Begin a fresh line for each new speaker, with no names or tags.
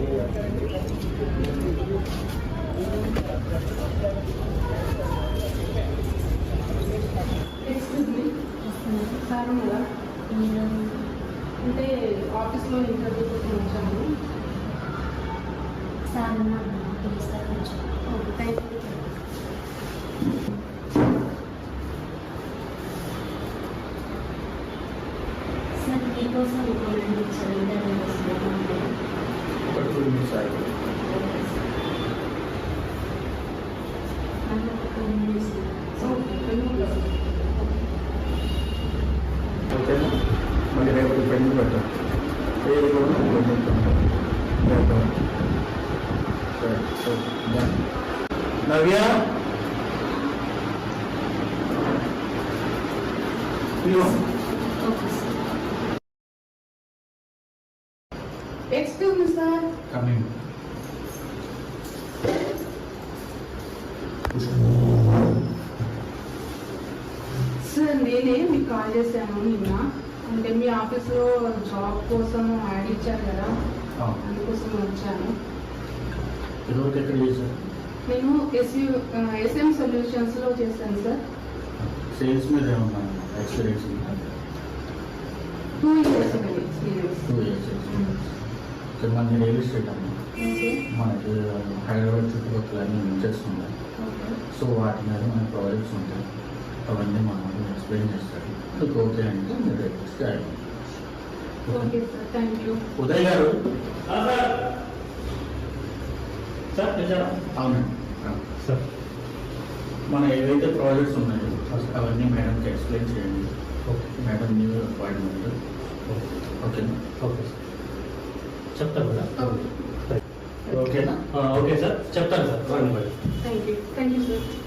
Excuse me sir ఉన్నారా? అంటే ఆఫీస్లో ఇంటర్వ్యూ కోసం వచ్చాను.
సార్ ఉన్నారు, పిలుస్తారు కొంచెం.
Okay, thank you.
సార్ మీకోసం ఇంకోటి ఇచ్చారు, ఇంటర్వ్యూ వస్తుంది.
ఒక 2 minutes ఆగి ఓకేనా. మళ్ళీ రేపు పెండింగ్ పెట్టాం. పేరు కూడా పెండింగ్ పెట్టాం. సరే సరే done. Navya please.
Excuse me sir.
Coming.
Sir నేనే మీకు కాల్ చేశాను నిన్న. అంటే మీ ఆఫీస్లో జాబ్ కోసం యాడ్ ఇచ్చారు కదా, అందుకోసం వచ్చాను.
ఇదివరకు ఎక్కడ చేశారు?
నేను ఎస్ఎం సొల్యూషన్స్లో చేశాను సార్.
సేల్స్ మీద ఏమన్నా ఎక్స్పీరియన్స్ ఉందా?
2 years ఎక్స్పీరియన్స్.
2 years experience. ఇక్కడ మనకి రియల్ ఎస్టేట్ అమ్మా.
ఓకే
మనకి హైదరాబాద్ చుట్టుపక్కల అన్నీ చేస్తున్నాయి.
ఓకే
సో వాటి మీద మన ప్రాజెక్ట్స్ ఉంటాయి. అవన్నీ మనం ఎక్స్ప్లెయిన్ చేస్తారు. మీకు ఓకే అంటే మీరు request
okay sir, thank you.
Uday garu.
Sir నిజారా?
అవునండి
సార్
మన ఏవైతే ప్రాజెక్ట్స్ ఉన్నాయో అవన్నీ మేడంకి ఎక్స్ప్లెయిన్ చేయండి.
Okay
madam new appointment. ఓకేనా?
ఓకే సార్ చెప్తాను కదా.
ఓకే
ఓకేనా?
ఓకే సార్ చెప్తాను సార్.
Thank you sir.